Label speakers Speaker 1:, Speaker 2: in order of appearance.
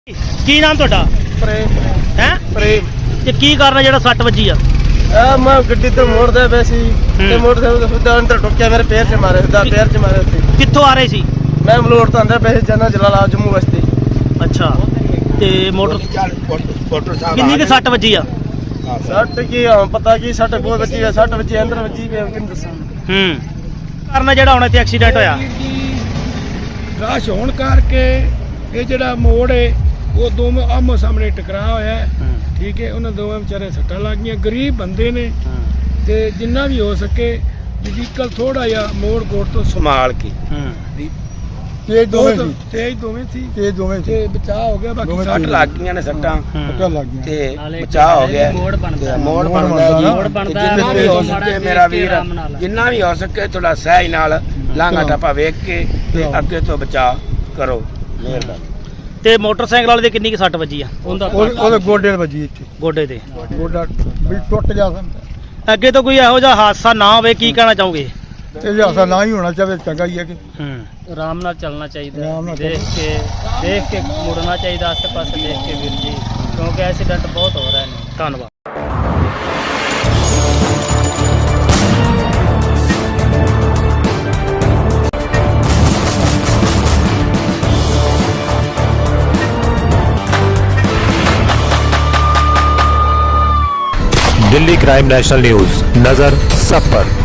Speaker 1: ਕੀ ਨਾਮ ਤੁਹਾਡਾ?
Speaker 2: ਪ੍ਰੇਮ
Speaker 1: ਹੈ
Speaker 2: ਪ੍ਰੇਮ
Speaker 1: ਤੇ ਕੀ ਕਰਨਾ ਜਿਹੜਾ ਸੱਟ ਵੱਜੀ ਆ?
Speaker 2: ਆ ਮੈਂ ਗੱਡੀ ਤੇ ਮੋੜਦਾ ਪਿਆ ਸੀ ਤੇ ਮੋਟਰਸਾਈਕਲ ਦਾ ਸਿੱਧਾ ਅੰਦਰ ਟੁੱਕਿਆ, ਮੇਰੇ ਪੈਰ 'ਚ ਮਾਰੇ, ਸਿੱਧਾ ਪੈਰ 'ਚ ਮਾਰੇ ਉੱਤੇ।
Speaker 1: ਕਿੱਥੋਂ ਆ ਰਹੇ ਸੀ?
Speaker 2: ਮੈਂ ਮਲੋੜ ਤੋਂ ਆਂਦਾ ਪਿਆ ਸੀ ਜਾਨਾ ਜਲਾਲਾਬਾਦ ਜੰਮੂ ਵਾਸਤੇ।
Speaker 1: ਅੱਛਾ ਤੇ ਮੋਟਰ ਕਿੰਨੀ ਕੁ ਸੱਟ ਵੱਜੀ ਆ?
Speaker 2: ਸੱਟ ਕੀ ਪਤਾ ਕੀ ਸੱਟ ਬਹੁਤ ਵੱਜੀ ਹੈ, ਸੱਟ ਵੱਜੀ ਅੰਦਰ ਵੱਜੀ ਪਿਆ, ਕਿੰਨ ਦੱਸਾਂ।
Speaker 1: ਕਰਨਾ ਜਿਹੜਾ ਹੁਣ ਇੱਥੇ ਐਕਸੀਡੈਂਟ ਹੋਇਆ?
Speaker 3: ਰਾਸ਼ ਹੋਣ ਕਰਕੇ ਇਹ ਜਿਹੜਾ ਮੋੜ ਹੈ ਉਹ ਦੋਵੇਂ ਆਮੋ ਸਾਹਮਣੇ ਟਕਰਾਅ ਹੋਇਆ ਹੈ। ਠੀਕ ਹੈ, ਉਹਨਾਂ ਦੋਵੇਂ ਵਿਚਾਰੇ ਸੱਟਾਂ ਲੱਗ ਗਈਆਂ, ਗਰੀਬ ਬੰਦੇ ਨੇ ਤੇ ਜਿੰਨਾ ਵੀ ਹੋ ਸਕੇ ਵਹੀਕਲ ਥੋੜਾ ਜਿਹਾ ਮੋੜ ਕੋੜ ਤੋਂ ਸੰਭਾਲ ਕੇ ਤੇਜ਼ ਦੋਵੇਂ ਸੀ ਤੇ ਬਚਾਅ ਹੋ ਗਿਆ। ਬਾਕੀ ਸੱਟ ਲੱਗ ਗਈਆਂ ਨੇ, ਸੱਟਾਂ ਤੇ ਬਚਾਅ ਹੋ ਗਿਆ। ਮੋੜ ਬਣਦਾ ਜਿੰਨਾ ਵੀ ਹੋ ਸਕੇ ਮੇਰਾ ਵੀਰ, ਜਿੰਨਾ ਵੀ ਹੋ ਸਕੇ ਥੋੜਾ ਸਹਿਜ ਨਾਲ ਲਾਂਘਾ ਟੱਪਾ ਵੇਖ ਕੇ ਤੇ ਅੱਗੇ ਤੋਂ ਬਚਾਅ ਕਰੋ, ਮਿਹਰਬਾਨੀ।
Speaker 1: ਤੇ ਮੋਟਰਸਾਈਕਲ ਵਾਲੇ ਦੇ ਕਿੰਨੀ ਕੁ ਸੱਟ ਵੱਜੀ ਆ?
Speaker 2: ਉਹਦੇ ਗੋਡੇ ਵੱਜੀ ਇੱਥੇ,
Speaker 1: ਗੋਡੇ ਤੇ।
Speaker 2: ਗੋਡਾ ਵੀ ਟੁੱਟ ਗਿਆ।
Speaker 1: ਅੱਗੇ ਤੋਂ ਕੋਈ ਇਹੋ ਜਿਹਾ ਹਾਦਸਾ ਨਾ ਹੋਵੇ, ਕੀ ਕਹਿਣਾ ਚਾਹੋਗੇ?
Speaker 2: ਇਹ ਹਾਸਾ ਨਾ ਹੀ ਹੋਣਾ ਚਾਹੀਦਾ, ਚੰਗਾ ਹੀ ਹੈ ਕਿ
Speaker 4: ਆਰਾਮ ਨਾਲ ਚੱਲਣਾ ਚਾਹੀਦਾ,
Speaker 2: ਆਰਾਮ ਨਾਲ
Speaker 4: ਦੇਖ ਕੇ ਮੁੜਨਾ ਚਾਹੀਦਾ, ਆਸੇ ਪਾਸੇ ਦੇਖ ਕੇ ਵੀਰ ਜੀ, ਕਿਉਂਕਿ ਐਕਸੀਡੈਂਟ ਬਹੁਤ ਹੋ ਰਹੇ ਨੇ।
Speaker 1: ਧੰਨਵਾਦ।
Speaker 5: दिल्ली क्राइम नेशनल न्यूज, नजर सब पर।